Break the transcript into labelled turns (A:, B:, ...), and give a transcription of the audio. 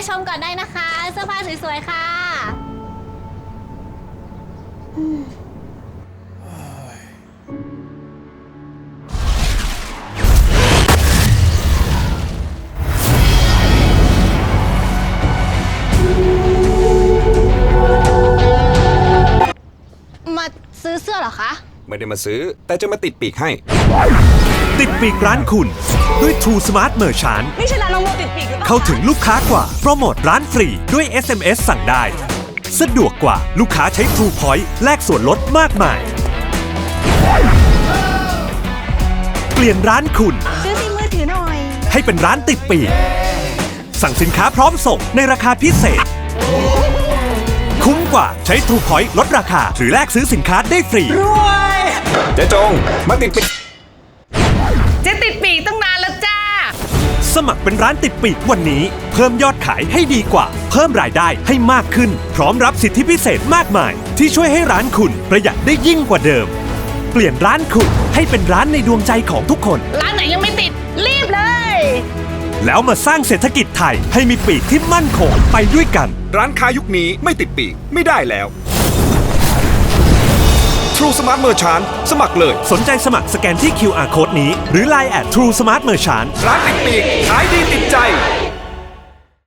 A: ชมก่อนได้นะคะ เสื้อผ้าสวยๆค่ะมาซื้อเสื้อเหรอคะ
B: ไม่ได้มาซื้อแต่จะมาติดปีกให้
C: ติดปีกร้านคุณด้วย True Smart Merchant
D: นี่ใช่ร้านน้องโมติดปีกหรือเปล่า
C: เข้าถึงลูกค้ากว่าโปรโมทร้านฟรีด้วย SMS สั่งได้ สะดวกกว่าลูกค้าใช้ True Point แลกส่วนลดมากมาย เปลี่ยนร้านคุณ
D: ซื้อซิมมือถือหน่อย
C: ให้เป็นร้านติดปีก สั่งสินค้าพร้อมส่งในราคาพิเศษ คุ้มกว่าใช้ True Point ลดราคาหรือแลกซื้อสินค้าได้ฟรี
B: เจ๊จงมาติดปีก
D: เจ๊ติดปีกตั้งนานแล้วจ้า
C: สมัครเป็นร้านติดปีกวันนี้ เพิ่มยอดขายให้ดีกว่า เพิ่มรายได้ให้มากขึ้น พร้อมรับสิทธิพิเศษมากมาย ที่ช่วยให้ร้านคุณประหยัดได้ยิ่งกว่าเดิม เปลี่ยนร้านคุณให้เป็นร้านในดวงใจของทุกคน
D: ร้านไหนยังไม่ติด รีบเลย
C: แล้วมาสร้างเศรษฐกิจไทยให้มีปีกที่มั่นคงไปด้วยกัน
B: ร้านค้ายุคนี้ไม่ติดปีกไม่ได้แล้ว True Smart Merchant สมัครเลย
C: สนใจสมัครสแกนที่ QR Code นี้ หรือ Line at True Smart Merchant
B: ร้านติดปีกขายดีติดใจ